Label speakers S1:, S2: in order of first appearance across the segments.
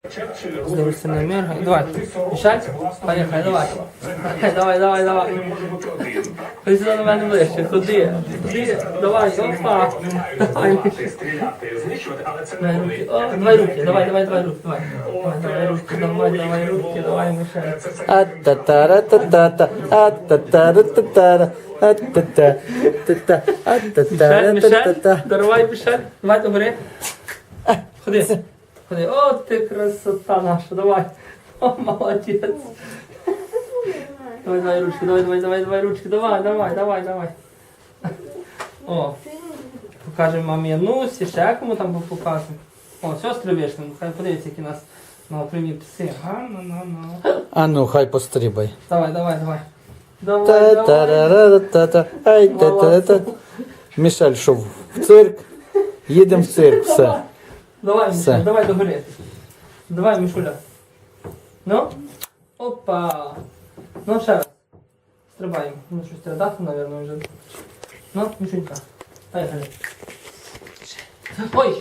S1: Здивишся на мірга. Давай, мішать? Поїхай, давай. Давай. Ходи сюди до мене ближче, ходи. Давай, опа. Давай. Давай руки, давай руки, давай, мішай.
S2: А-та-та-ра-та-та-та, а-та-та-ра-та-та-ра, а-та-та-та-та-та-та-та-та.
S1: Давай, мішай. Давай, добре. Ходи. О, ти красота наша, давай. О, молодець. Давай ручки, давай ручки, давай. О, покажемо мамі Нусі, ще кому там покажемо. О, сестри вийшли, хай подивіться, які нас на окремі пси.
S2: А ну, хай пострибай.
S1: Давай.
S2: Та-та-ра-ра-та-та, ай, та-та-та. Мішель, що в цирк? Їдемо в цирк, все.
S1: Давай,
S2: Все.
S1: Мішуля, давай догори. Давай, Мішуля. Ну? Опа. Ну, ще раз. Стрибаємо. Ну, щось треба дати, мабуть, вже. Ну, Мішунька. Поїхали. Ой!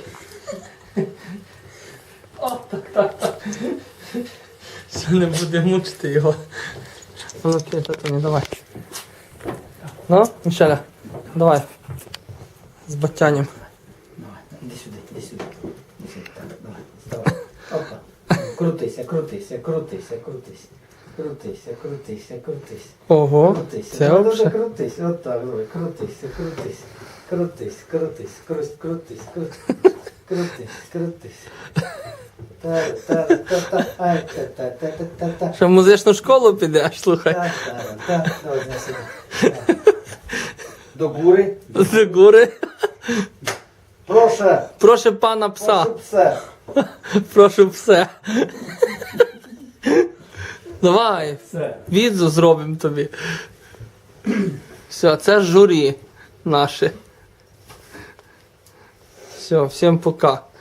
S1: О, так. Все, не буде мучити його. Ну, окей, татуня, давай. Ну, Мішеля, давай. З батянням.
S2: Давай, іди сюди. Так, давай, вставай. Опа. Крутися.
S1: Ого,
S2: Крутися.
S1: це
S2: Давай,
S1: вообще.
S2: крутись. Отак, давай, крутись. Крутись. Та-та-та-та, ай, та-та-та-та-та.
S1: Що в музичну школу підеш, слухай.
S2: Та-та-та, давай, на сюди. До гури.
S1: З гори.
S2: Прошу
S1: Пана пса.
S2: пса.
S1: Прошу все. Давай.
S2: Все.
S1: Відзу зробимо тобі. Все, це журі наше. Все, всім пока.